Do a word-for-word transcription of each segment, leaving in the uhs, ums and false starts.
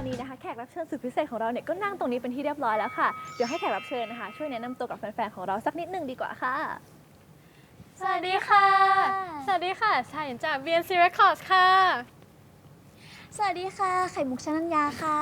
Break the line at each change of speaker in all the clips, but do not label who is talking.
นี้นะคะแขกรับเชิญสุดพิเศษของเราเนี่ยก็นั่งตรงนี้เป็นที่เรียบร้อยแล้วค่ะเดี๋ยวให้แขกรับเชิญนะคะช่วยแนะนำตัวกับแฟนๆของเราสักนิดนึงดีกว่าค่ะ
สวัสดีค่ะ สวัสดีค่ะชายจาก บี เอ็น ซี Records ค่ะ
สวัสดีค่ะไข่มุกชนัญญาค่ะ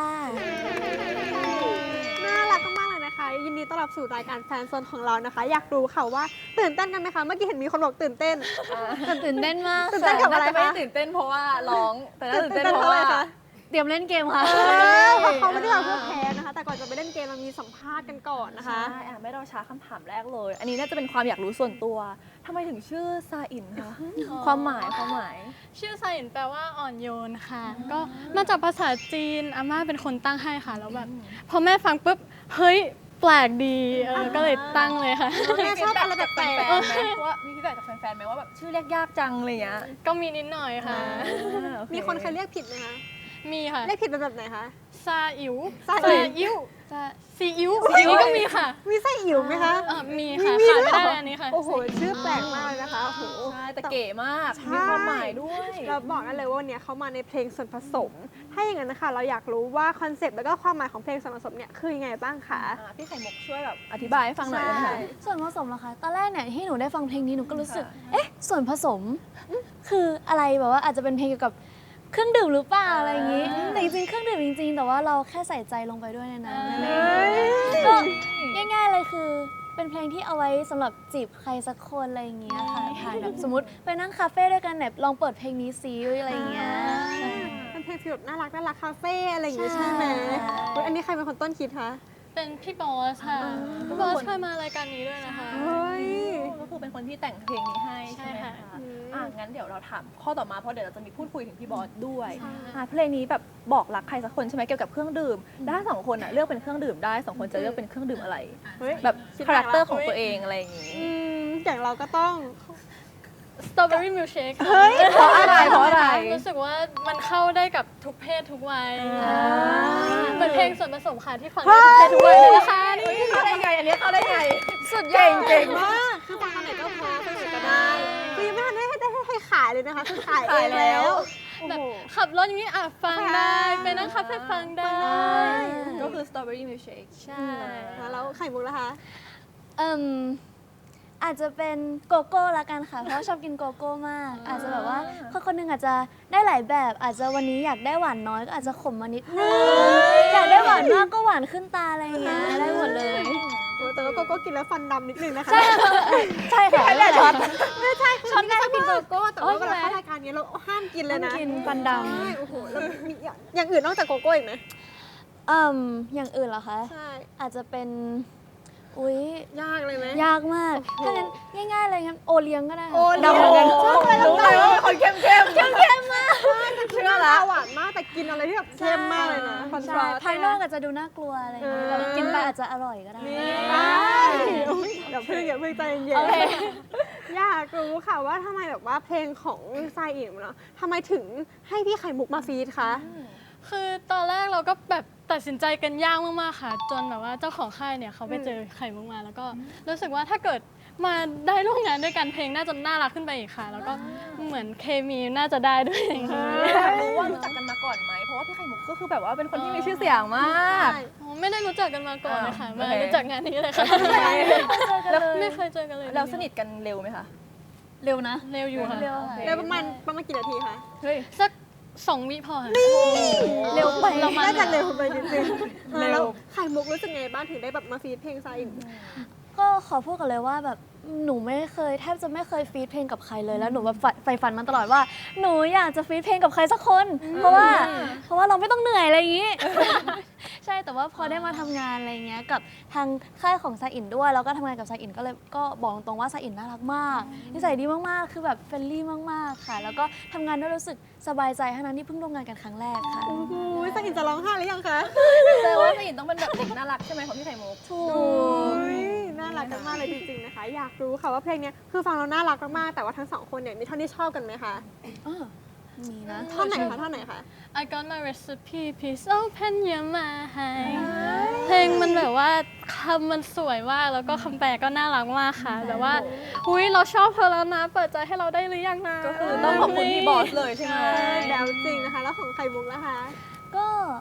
น่ารักมากๆเลยนะคะยินดีต้อนรับสู่รายการแฟนโซนของเรานะคะอยากรู้ค่ะว่าตื่นเต้นกันไหมคะเมื่อกี้เห็นมีคนบอกตื่นเต้น
ตื่นเต้นมาก
ตื่นเต้นกับอะไร
น่าจะไม่
คะ
ได้ตื่นเต้นเพราะว่าร้องแต่น่าตื่น
ตื่น
เต้น
เต้น
เพ
เพราะ
ราะ
อะไร
ว่า
คะ
เตรียมเล่นเกมค่ะ
เออเพราะเขาไม่ได้มาเพื่อแพ้นะคะแต่ก่อนจะไปเล่นเกมเรามีสัมภาษณ์กันก่อนนะคะ
ใช่อ่ะไม่รอช้าคำถามแรกเลย อันนี้น่าจะเป็นความอยากรู้ส่วนตัวทำไมถึงชื่อซาอินคะความหมายความหมาย
ชื่อไซน์แปลว่าอ่อนโยนค่ะ ก็มาจากภาษาจีนอาม่าเป็นคนตั้งให้ค่ะ แล้วแบบพอแม่ฟังปุ๊บ เฮ้ย แปลกดีเออก็เลยตั้งเลยค่ะ
แม่ชอบอะไรแปลก
แฟนๆไหมว่ามีฟีดแบ็กจากแฟนๆไหมว่าแบบชื่อเรียกยากจังอะไรเงี้ย
ก็มีนิดหน่อยค่ะ
ๆมีคนเคยเรียกผิดไหมคะ
มีค่ะ
เรียกผิดเป็นแบบไหนคะ
ซาอิ๋ว
ซาอิ๋ว
อิ๋วซาซีอิ๋วอันนี้ก็มีค่ะ
มีไส้อิ๋วไหมคะ
เออมีค่ะ
มี
ขาด
ด้
ไม่
วย
ได้
เหร
เลยอันนี้ค่ะ
โอ้โหชื่อแปลกมากเลยนะคะโอ้โห
ใช่แต่เก๋มาก
ใช่
มีความหมายด้วย
เราบอกกันเลยว่าวันนี้เขามาในเพลงส่วนผสม ถ้าอย่างนั้นนะคะเราอยากรู้ว่าคอนเซปต์แล้วก็ความหมายของเพลงส่วนผสมเนี่ยคือยังไงบ้างคะ
อ่ะพี่ไข่มุกช่วยแบบอธิบายให้ฟังหน่อยได้ไหมคะ
ส่วนผสมเหรอคะ ตอนแรกเนี่ยที่หนูได้ฟังเพลงนี้หนูก็รู้สึก เอ๊ะ ส่วนผสม คืออะไรแบบว่าอาจจะเป็นเพลงเกี่ยวกับเครื่องดื่มหรือเปล่าอะไรอย่างนี้ แต่จริงๆ เครื่องดื่มจริงๆ แต่ว่าเราแค่ใส่ใจลงไปด้วยในนั้นอะไรอย่างนี้ก็ง่ายๆ เลยคือเป็นเพลงที่เอาไว้สำหรับจีบใครสักคนอะไรอย่างเงี้ยค่ะผ่านแบบสมมติไปนั่งคาเฟ่ด้วยกันแบบลองเปิดเพลงนี้ซิอะไรอย่างเงี้ย
เป็นเพลงฟีลแบบน่ารักน่ารักคาเฟ่อะไรอย่างงี้ใช่ไหม
ใช่
อุ๊ยอันนี้ใครเป็นคนต้นคิดคะ
เป็นพี่บอสค่ะ พี่บอสเคยมารายการนี้ด้วยนะคะ
เฮ้ย
ก็คือเป็นคนที่แต่งเพลงนี้ให้ใช่ไหม
ใช่
คะ
ค่ะ
อ่ะงั้นเดี๋ยวเราถามข้อต่อมาเพราะเดี๋ยวเราจะมีพูดคุยถึงพี่บอสด้วย
ใช่
อ่ะเพลงนี้แบบบอกรักใครสักคนใช่ไหมเกี่ยวกับเครื่องดื่มได้สองคนอ่ะเลือกเป็นเครื่องดื่มได้สองคนจะเลือกเป็นเครื่องดื่มอะไร
เฮ้ย
แบบ
คิด
คาแรคเตอร์
แล้ว
ของตัวเองอะไรอย่างงี้
อืมอย่างเราก็ต้อง
สตรอเบอรี่มิลเชค
เฮ้ย
เพราะอะไรเพราะอะไร
รู้สึกว่ามันเข้าได้กับทุกเพศทุกวัย
อ่า
เหมือนเพลงส่วนผสมค่ะที่ฟังได้ทุกเพศทุกวัยเลยนะคะนี่
เข้าได้ไงอันนี้เข้าได้ไง
สุดยอ
เก่ง
ด
เก่ง
มากคือฟังตอนไหนก็พอฟังไหนก็ได้คือยังไม่ทันได้ให้ได้ให้ขายเลยนะคะคือขายเอ
ขาย
ง
แล้
แล้ว วโอ้
แบบ
โห
ขับรถอย่างนี้อ่ะฟังได้ ไปนั่งคาเฟ่ฟังได้
ก็คือ strawberry milkshake
ใช่
แล้วไข่มุกนะคะ
เอิ่มอาจจะเป็นโกโก้ละกันค่ะ เพราะว่าชอบกินโกโก้มาก อาจจะแบบว่าคนคนหนึงอาจจะได้หลายแบบ อาจจะวันนี้อยากได้หวานน้อยก็อาจจะขมมานิดนึงอยากได้หวานมากก็หวานขึ้นตาอะไรอย่างเงี้ยได้หมดเลย
แต่ว่าโกโก้กินแล้วฟันดำนิดนึงนะคะ
ใช่ค่ะ
ไม่ได้ช็อต
ไม่ใช่คือช็อตได้กินโกโก้แต่ว่า
อ๋อ
เว
ใช่
ลา
ไหม
เข้ารายการนี้เราห้ามกินเลยนะ
ห้ามกินฟันดำ
ใช่โอ้โหแล้วมีอย่างอย่างอื่นนอกจากโกโก้อีกไหม
เอิ่มอย่างอื่นเหรอคะ
ใช่
อาจจะเป็น อุ๊ย
ยากเลยไหม
ยากมาก ถ้างั้นง่ายๆเลยงั้นโอเลี้ยงก็ได้ค่ะ
โอเลี้ยง
ดำเหมือนกัน
ชอบอะไร
รู้เลยว่าเป็นคนเข้มเข้มเข้มเข้มมาก
เชื่อละหวานมากแต่กินอะไรที่แบบเข้มมากเลยนะคอนท
ใช่
ราสต์
ภายนอกอาจจะดูน่ากลัวอะไรอย่างเงี้ยแต่กินไปอาจจะอร่อยก็ได้
ใช่เดี๋ยวเพิ่งอย่าเพิ่งใจเย็นๆอยากรู้ค่ะว่าทำไมแบบว่าเพลงของทรายอิ๋วเนาะทำไมถึงให้พี่ไข่มุกมาฟีดคะ
คือตอนแรกเราก็แบบตัดสินใจกันยากมากๆค่ะ จนแบบว่าเจ้าของค่ายเนี่ยเขาไปเจอไข่มุกมาแล้วก็รู้สึกว่าถ้าเกิดมาได้ร่วมงานด้วยกันเพลงน่าจะน่ารักขึ้นไปอีกค่ะ แล้วก็เหมือนเคมีน่าจะได้ด้วยอย่างนี้
อยากรู้ว่ารู้จักกันมาก่อนไหม เพราะว่าพี่ไข่มุกก็คือแบบว่าเป็นคนที่มีชื่อเสียงมาก
อ๋อไม่ได้รู้จักกันมาก่อนเลยค่ะ
อ่า
มา
โอเค
รู้จักงานนี้เลยค่ะ
แล้ว
ไม่เคยเจอกันเลย
เราสนิทกันเร็วไหมคะ
เร็วนะ
เร็วอยู่ค่ะ
เร็วค่ะ
แล้วประมาณประมาณกี่นาทีคะ
เฮ้ย
สักสองวิพอค่ะ
เร็วไป
เรามา
น่าจะเร็วไปนิดนึง
เร็ว
แล้วไข่มุกรู้สึกไงบ้างถึงได้แบบมาฟีดเพลงทรายอิ๋ว
ก็ขอพูดกันเลยว่าแบบหนูไม่เคยแทบจะไม่เคยฟีดเพลงกับใครเลยแล้วหนูแบบใฝ่ใฝ่ฝันมาตลอดว่า หนูอยากจะฟีดเพลงกับใครสักคน เพราะว่าเพราะว่าเราไม่ต้องเหนื่อยอะไรอย่างนี้ ใช่แต่ว่าพอได้มาทำงานอะไรเงี้ยกับทางค่ายของซาอินด้วยแล้วก็ทำงานกับซาอินก็เลยก็บอกตรงว่าซาอินน่ารักมากนิสัยดีมากๆ คือแบบเฟรนลี่มากๆค่ะ แล้วก็ทำงานด้วยรู้สึกสบายใจทั้งนั้นที่เพิ่งร่วมงานกันครั้งแรกค่ะ
โอ้โหทรายอิ๋วจะร้องไห้หรือยังคะ
แต่ว่าสนิทต้องเป็นแบบเด็กน่ารักใช่ไหมของพี่ไข่มุก
ถู
โอ้
ก
ยน่ารักกันมากเลยจริงๆนะคะ อยากรู้ค่ะว่าเพลงเนี้ยคือฟังแล้วน่ารักมากๆแต่ว่าทั้งสองคนเนี่ยมีท่อนที่ชอบกันไหมคะ
อ่ามีนะ
ท่อนไหนคะท่อนไหนคะ
I got my recipe please open your mind เพลงมันแบบว่าคำมันสวยมากแล้วก็คำแปลก็น่ารักมากค่ะแบบว่าอุ้ยเราชอบเธอแล้วนะ เปิดใจให้เราได้หรือยังนะ
ก็คือต้องขอบคุณพี่บอสเลยใช่ไหม
แล้วจริงนะคะ แล้วของไข่มุกนะคะ
ก็คง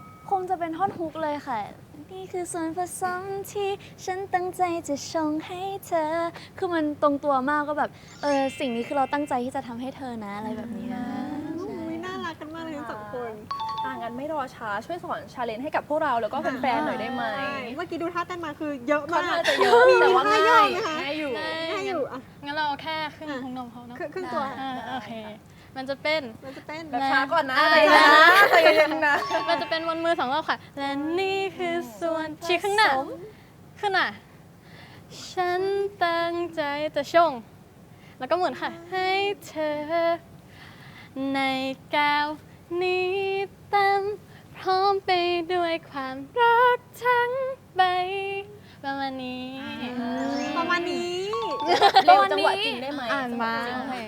งจะเป็นท่อนฮุกเลยค่ะ นี่คือส่วนผสมที่ฉันตั้งใจจะชงให้เธอ คือมันตรงตัวมากก็แบบเออสิ่งนี้คือเราตั้งใจที่จะทำให้เธอนะอะไรแบบนี้นะใช่
อุ๊ยน่ารักกันมากเลยทั้งสองคน
อ่างั้นไม่รอช้าช่วยสอนชาเลนจ์ให้กับพวกเราแล้วก็แฟนๆหน่อยได้ไหม
ใช่เมื่อกี้ดูท่าเต้นมาคือเยอะ
ค่อน
มาก
ข้างจะเยอะ
มี
แต่ว่า
ท่า
ง่าย
ย่อไหมคะ
ง่ายอยู่
ง่ายอยู่อ่ะ
งั้นเราเอาแค่ครึ่งพุงนมเขาเนาะ
ครึ่งครึ่งตัว
อ่าโอเค มันจะเป็น
มันจะเต้น
แบบช้าก่อนนะ
อ่า
ใจเย็นนะใจเย็นนะ
มันจะเป็นวนมือสองรอบค่ะ และนี่คือส่วนชี้ข้างหน้าขึ้นหน้าฉันตั้งใจจะชง แล้วก็หมุนค่ะ ให้เธอ ในแก้วนี้เต็มพร้อมไปด้วยความรักทั้งใบประมาณนี้
ประมาณนี้
เร็วจังหวะจริงได้ไหม
อ่านมา
จังหวะจริง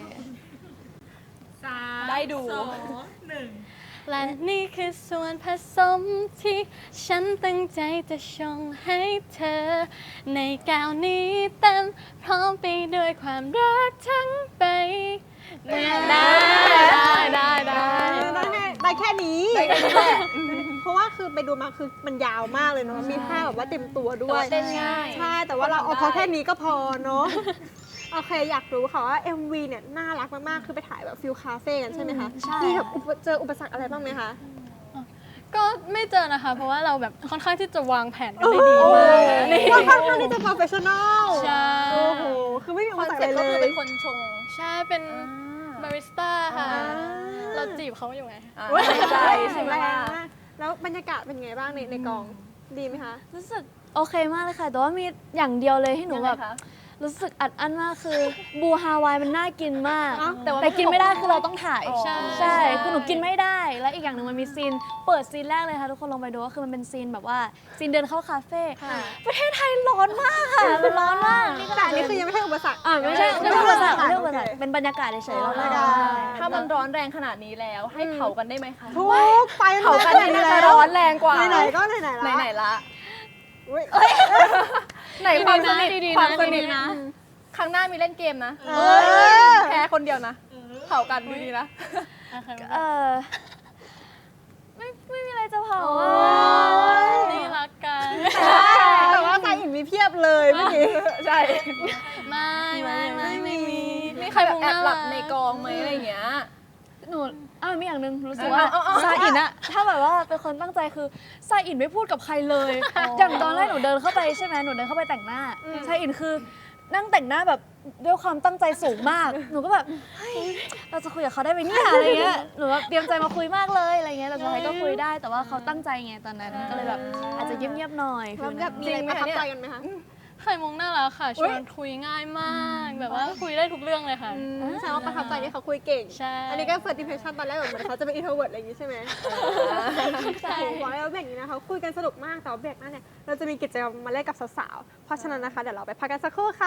ได้ดู
และนี่คือส่วนผสมที่ฉันตั้งใจจะชงให้เธอ ในแก้วนี้เต็มพร้อมไปด้วยความรักทั้งใบได้ได้ได้
ได้แค่ได้แค่นี้
ได้แค่นี้แหละ
เพราะว่าคือไปดูมาคือมันยาวมากเลยเนาะ มีท่าแบบว่าเต็มตัวด้
แต่
วย
ว่าเต้นง่าย
ใช่ แต่ว่าเราเอาเขาแค่นี้ก็พอเนาะ โอเค อยากรู้ค่ะว่า เอ็ม วี เนี่ยน่ารักมาก ๆ คือไปถ่ายแบบฟิลคาเฟ่กันใช่ไหมคะ
ใช่
มีแบบอุปเจออุปสรรคอะไรบ้างไหมคะ
ก็ไม่เจอนะคะ เพราะว่าเราแบบค่อนข้างที่จะวางแผนกันได้ดีมากนี่
ค่อนข้างที่จะ professional
ใช่
โอ้โห คือไม่มี
ค
อุ
อ
ป
น
สรรค
เซ็ป
อะไร
ต์ก็
เล
คือย เป็นคนชง
ใช่เป็นบาริสต้าค่ะ
อ่า
เราจีบเขาอยู่ไง
อ่าใช่ใช่ไหม
แรง
ล่ะ
มากแล้วบรรยากาศเป็นไงบ้างในในกอง ดีไหมคะ
รู้สึกโอเคมากเลยค่ะ แต่ว่ามีอย่างเดียวเลยที่หนู
ยังไง
แบบ
คะ
รู้สึกอัดอั้นมากคือบูฮาวายมันน่ากินมาก
อ้าว
แต่ว่า
แต่กินไม่ได้คือเราต้องถ่าย
อ๋อ
ใช่
ใช่ คือหนูกินไม่ได้ และอีกอย่างหนึ่งมันมีซีน เปิดซีนแรกเลยค่ะ ทุกคนลองไปดูก็คือมันเป็นซีนแบบว่าซีนเดินเข้าคาเฟ่ ประเทศไทยร้อนมากค่ะมันร้อนมากนี่ข
แต่
นาด
อันนี้คือยังไม่ใช่อุปสรรค
อ่าไม่ใช่
ไม่
ไม่
ใช่
ใช่อุปสรรค
โอเค
ไม่ใช่อุปสรรคเป็นบรรยากาศเฉยๆเรา
อ๋อ
ได้
ได้
ถ้ามันร้อนแรงขนาดนี้แล้ว ให้เผากันได้ไหมคะ
ทุกไฟ
เผากัน
ไห
น่าจะร้อนแรงกว่า
ไหนๆก็ไหนๆละ
ไหนๆละ
อุ๊ย
ไหนความสนิท
ดีๆนะ
ความสนิท
ดีๆนะ
ครั้งหน้ามีเล่นเกมนะ
เออ
แพ้คนเดียวนะ เผากันดีๆนะ
เออไม่ไม่มีอะไรจะเผา
โอ้
อ่ะ
นี่รักกัน
แต่ว่าใครอีกมีเพียบเลยเมื่อกี้
ใช่
ไม่ไม่ไม่ไม่มี
มีใครแบบแอบหลับในกองไหมอะไรอย่างเงี้ย
หนูอ่ามีอย่างหนึ่งรู้สึก
เออ
ว่า
เอาเอาเอา
ซาอินอะถ้าแบบว่าเป็นคนตั้งใจคือซาอินไม่พูดกับใครเลย อย่างตอนแรกหนูเดินเข้าไปใช่ไหมหนูเดินเข้าไปแต่งหน้าซาอินคือนั่งแต่งหน้าแบบด้วยความตั้งใจสูงมาก หนูก็แบบเฮ้ยเราจะคุยกับเขาได้ไหมเนี่ยอะไรเงี้ยหนูแบบเตรียมใจมาคุยมากเลยอะไรเงี้ยแต่สุดท้ายก็คุยได้แต่ว่าเขาตั้งใจไงตอนนั้นก็เลยแบบอาจจะเงียบๆหน่อย
แล้วแบบมีอะไรประทับใจกันไหมคะ
ไข่มุกน่ารักค่ะชวนคุยง่ายมาก แบบว่าคุยได้ทุกเรื่องเลยค่ะ
แสดงว่าประทับใจที่เขาคุยเก่ง
ใช่
อันนี้ก็ first impression ตอนแรกแบบเหมือนเขาจะเป็น introvert อะไรอย่างงี้ใช่ไหมใช่บอกแล้วเบรกนี้นะคะคุยกันสนุกมากแต่ว่าเบรกหน้าเนี่ยเราจะมีกิจกรรมมาเล่นกับสาวๆ เพราะฉะนั้นนะคะเดี๋ยวเราไปพักกันสักครู่ค่ะ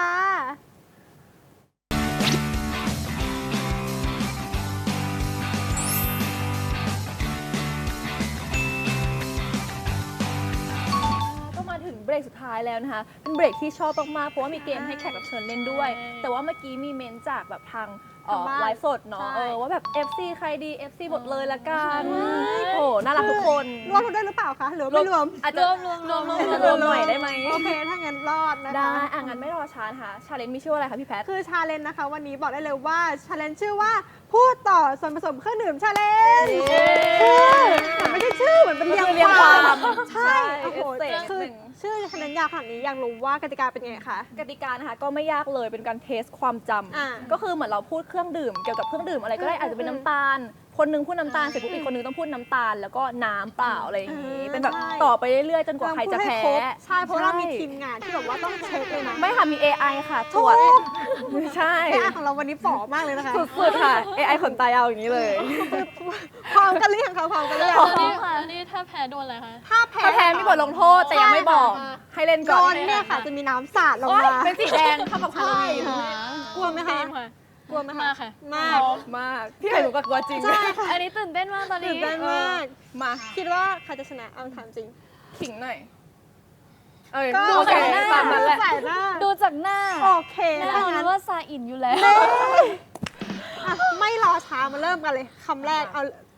ก็มาถึงเบรกสุดท้ายแล้วนะคะ เป็นเบรกที่ชอบมากๆ เพราะว่ามีเกมให้แขกรับเชิญเล่นด้วย
ใช่
แต่ว่าเมื่อกี้มีเมนจากแบบทางเอ่อ
ทางบ้าน
ไลฟ์สดเนาะ
ใช่
เออว่าแบบ เอฟ ซี ใครดี เอฟ ซี หมดเลยละกัน โอ้น่ารักทุกคน
รวมได้หรือเปล่าคะ หรือว่าไม่รวม
อาจจะรวมรวมรวมรวมหน่อยได้ไหม
โอเค ถ้างั้นรอดนะคะ
ได้อ่ะงั้นไม่รอช้านะคะชาเลนจ์มีชื่อว่าอะไรคะพี่แพท
คือชาเลนจ์นะคะ วันนี้บอกได้เลยว่าชาเลนจ์ชื่อว่าพูดต่อส่วนผสมเครื่องดื่มชาเลนจ์
เย้
มันไม่ใช่ชื่อเหมือนเป็นเรียง
เรียง
ความ
ความ
ใช่
ใช่
โอ้โห
เอฟเฟกต์
คือ
หนึ่ง
ชื่อชาเลนจ์ยาวขนาดนี้อยากรู้ว่ากติกาเป็นยังไงคะ
กติกานะคะก็ไม่ยากเลยเป็นการเทสความจ
อ่า
ำก็คือเหมือนเราพูดเครื่องดื่มเกี่ยวกับเครื่องดื่มอะไรก็ได้
อืม
อาจจะเป็นน้ำตาล คนหนึงพูดน้ำตาลเสร็จปุ๊บอีกคนหนึงต้องพูดน้ำตาล แล้วก็น้ำเปล่าอะไรอย่างนี้
อืม
เป็นแบบ
ใช่
ต่อไปเรื่อยๆจนกว่าใครจะ
ลองพูด
แพ้
ห้ครบใช่ เพราะเรามี
ใช่
ทีมงานที่แบบว่าต้องเช็คเลยนะ
ไม่ค่ะมี เอ ไอ ค่ะตรวจไม่ใช่
เอไอของเราวันนี้ฝ่อมากเลยนะคะ
สุดๆค่ะ เอ ไอ ขนตายาวอย่างนี้เลย
พร้อมกันหรือยังคะพร้อมกันหรือยัง
แล้วนี่แล้วนี่ถ้าแพ้โดนอะไรคะ
ถ้าแพ้
ถ้าแพ้มีบทลงโทษแต่ยังไม่บอก
ใช่ค่ะ
ให้เล่น
โด
ก่อน
นเนี่ยค่ะจะมีน้ำสาดลง
โอ๊ย
มา
เป็นสีแดงเท่ากับฮาโลวีน
กลัวไหมคะ
ทีมค่ะ
กลัวไหมคะ
มากค่ะ
มาก
มากพี่ไข่หนูก็กลัวจริง
ใช่ค่ะ
อันนี้ตื่นเต้นมากตอน
ตื่
นี้
นเต้นมาก
มา
คิดว่าใครจะชนะเอาถามจริง
ขิงหน่อย เอ้ย
ก็
โอเค
ใส่หน้า
ตามนั้นแหละ
ใส่หน้า
ดูจากหน้า
โอเค
แน่
ถ้าน
อน
งั้น
ว่าซาอินอยู่แล้ว
อ่ะไม่รอช้ามาเริ่มกันเลยคำแรกเอา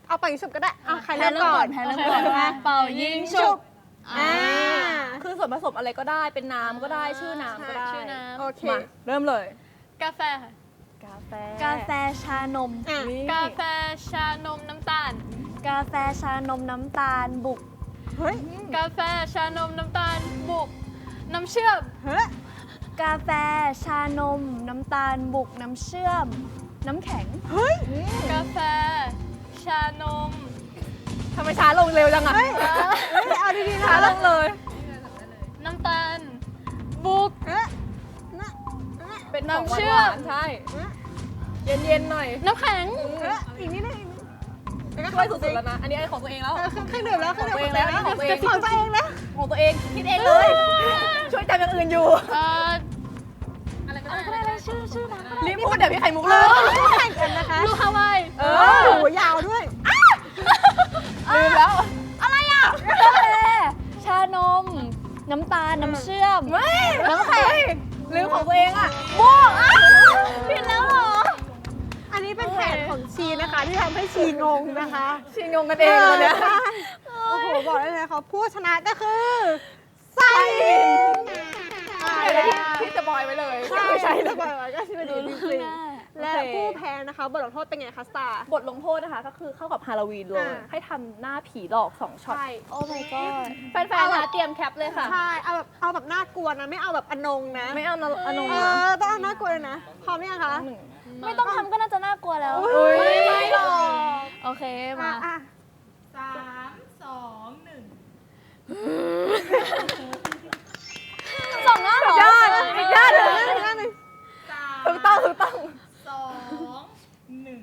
เอาไปฉุบก็ได้เอาใคร
แพ้
เริ่ม
เริ่ม
ก่
ก่
อ
อน นแพ้เริ่มก่อนนะเป่ายิงฉุบ
อ่า
คือส่วนผสมอะไรก็ได้เป็นน้ำก็ได้ชื่อน้ำก็ได้
ชื่อน้ำ
โอเค
มาเริ่มเลย
กาแฟค่ะ
กาแฟ
กาแฟชานม
อ่ะ
นี่
กาแฟชานมน้ำตาล
กาแฟชานมน้ำตาลบุก
เฮ้ย
กาแฟชานมน้ำตาลบุกน้ำเชื่อม
เฮ้ย
กาแฟชานมน้ำตาลบุกน้ำเชื่อม น้ำแข็ง
เฮ้ย
กาแฟชานม
ทำไมช้าลงเร็วจังอะ
เฮ้ยเอาดีๆนะ
ช้าลงเลย
น้ำตาลบุก
เอ๊ะน่ะ
เป็น
น้ำ
ของหวาน
เชื่อม
ๆใช่ เย็นๆหน่อย
น้ำแข็ง
เอ๊ะอีกนิดนึงอีกนิดนึงแล้วก็
ช่วยสุดๆแล้วนะ อันนี้ไอ้ของตัวเองแล้ว
เออเครื่องดื่มแล้วเครื่องดื่ม
ของตัวเองแล้วของตัวเอง
ของตัวเองแล้ว
ของตัวเองคิดเองเลย ช่วยจำอย่างอื่นอยู่
เอ่อ
อะไรอะไรชื่อชื่อน้ำก็ได้
รีบพูดเดี๋ยวพี่ไข่มุกเลย
แข่งกันนะคะ
ลูกฮาวาย
เอ
โอ้
อ
โหยาวด้วย
ลืมแล้ว
อะไรอ่ะกาแฟชานม น้ำตาลน้ำเชื่อม
ไม่ น้ำแข็งลืมของตัวเองอะ
บวกอ่ะผิดแล้วเหรอ
อันนี้เป็นแผนของชีนะคะ ที่ทำให้ชีงงนะคะ
ชิงงงกันเองเลยเนี่ย
ใช่โอ้โหบอกได้เลยค่ะผู้ชนะก็คือไซอ่า
เดี๋ยว
และ
นะที่ที่จะบอยไว้เลย
ใช่
ไม่ใช่
ใช่
เล
แล้
ยว
ก็ก็ชื่อดีจริงๆและ
โอเค
ผู้แพ้นะคะบทลงโทษเป็นไงคะสตาร์
บทลงโทษนะคะ ก็คือเข้ากับฮาโลวีนเลย
อ่า
ให้ทำหน้าผีหลอกสองช็อต
ใช่
โอ้ my god
แฟนๆนะเตรียมแคปเลยค่ะ
ใช่เอาแบบเอาแบบน่ากลัวนะ ไม่เอาแบบอนงนะ
ไม่เอานะอนง
เอ
นะ
อต้องเอาน่ากลัวเลยนะพร้อมหรือยังคะ
หนึ่ง
ไม่ต้องทำก็น่าจะน่ากลัวแล้ว
อุ้ยไม่หรอก
โอเคมา
อ่ะ
สามสองหนึ่ง
สองหน้าเหรอ
ยอดอีกด้านหนึ่ง
อ่ะอีกด้านหนึ่ง
สาม
ถูกต้องถูกต้อง
สองหนึ่ง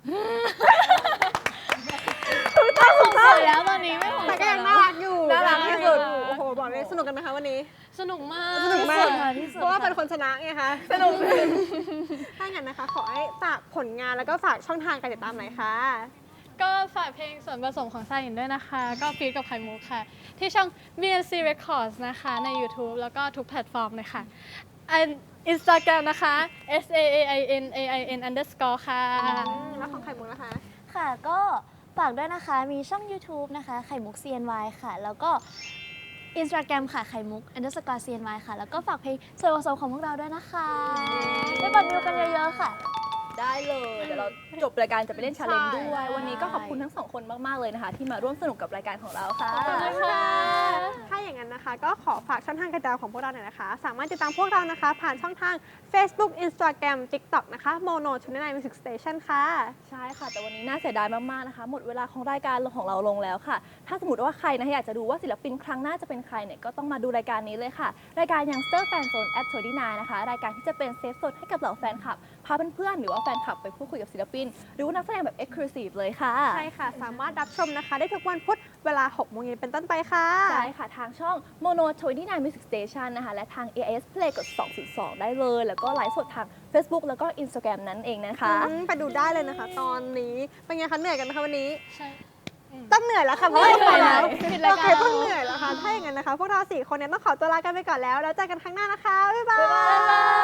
สวยแล้วตอนนี้ไม่ผม
แต่ก็ยังน่ารักอยู่
น่ารักที่สุด
โอ้โหบอกเลยสนุกกันไหมคะวันนี้
สนุกมาก
สนุกมาก
ที่สุด
เพราะว่าเป็นคนชนะไงคะ
สนุก
ถ้าอย่างนั้นนะคะ ขอให้ฝากผลงานแล้วก็ฝากช่องทางการติดตามหน่อยค่ะ
ก็ฝากเพลงส่วนผสมของซาอินด้วยนะคะ ก็ฟีดกับไข่มุกค่ะ ที่ช่อง บี เอ็น ซี Records นะคะ ใน YouTube แล้วก็ทุกแพลตฟอร์มเลยค่ะอัน Instagram นะคะ S A A I N A I N underscore ค่ะ
แล้วของไข่มุกนะคะ
ค่ะก็ฝากด้วยนะคะ มีช่อง YouTube นะคะ ไข่มุก ซี เอ็น วาย ค่ะ แล้วก็ Instagram ค่ะ ไข่มุก underscore ซี เอ็น วาย ค่ะ แล้วก็ฝากเพลงส่วนผสมของพวกเราด้วยนะคะไปกดวิวกันเยอะๆค่ะ
ได้เลย เดี๋ยวเราจบรายการจะไปเล่นชาเลนจ์
ใช่
ด้วย วันนี้ก็ขอบคุณทั้งสองคนมากๆเลยนะคะ ที่มาร่วมสนุกกับรายการของเราค่ะ
ขอบคุณค่ะ
ถ้าอย่างนั้นนะคะ ก็ขอฝากช่องทางการติดตามของพวกเราหน่อยนะคะ สามารถติดตามพวกเรานะคะ ผ่านช่องทาง Facebook Instagram TikTok นะคะ Mono ชุดนาย Music Station ค่ะ
ใช่ค่ะ แต่วันนี้น่าเสียดายมาก ๆ นะคะ หมดเวลาของรายการของเราลงแล้วค่ะ ถ้าสมมติว่าใครนะอยากจะดูว่าศิลปินครั้งหน้าจะเป็นใครเนี่ยก็ต้องมาดูรายการนี้เลยค่ะ รายการ Youngster Fan Zone at ยี่สิบเก้านะคะ รายการที่จะเป็นเซฟโซนให้กับเหล่าแฟนคลับ พาเพื่อนๆหรือว่าแฟนคลับไปพูดคุยกับศิลปิน หรือว่านักแสดงแบบ Exclusive เลยค่ะ
ใช่ค่ะ สามารถรับชมนะคะ ได้ทุกวันพุธเวลาหกโมงเย็นเป็นต้นไปค่ะ
ใช่ค่ะ ทางช่อง Mono ยี่สิบเก้า Music Station นะคะ และทาง เอ เอส Play กดสองศูนย์สองได้เลย แล้วก็ไลฟ์สดทาง Facebook แล้วก็ Instagram นั่นเองนะคะ
อืมไปดูได้เลยนะคะ ตอนนี้ เป็นไงคะ เหนื่อยกันไหมคะวันนี้
ใช่
ต้องเหนื่อยแล้วค่ะเพราะว่า
เหนื่อย
แล้ว
ปิดราย
โอ
การ
เคต้องเหนื่อยแล้วค่ะ ถ้าอย่างนั้นนะคะ พวกเราสี่คนเนี่ยต้องขอตัวลากันไปก่อนแล้ว แล้วเจอกันครั้งหน้านะคะ บ๊ายบาย
บ๊ายบาย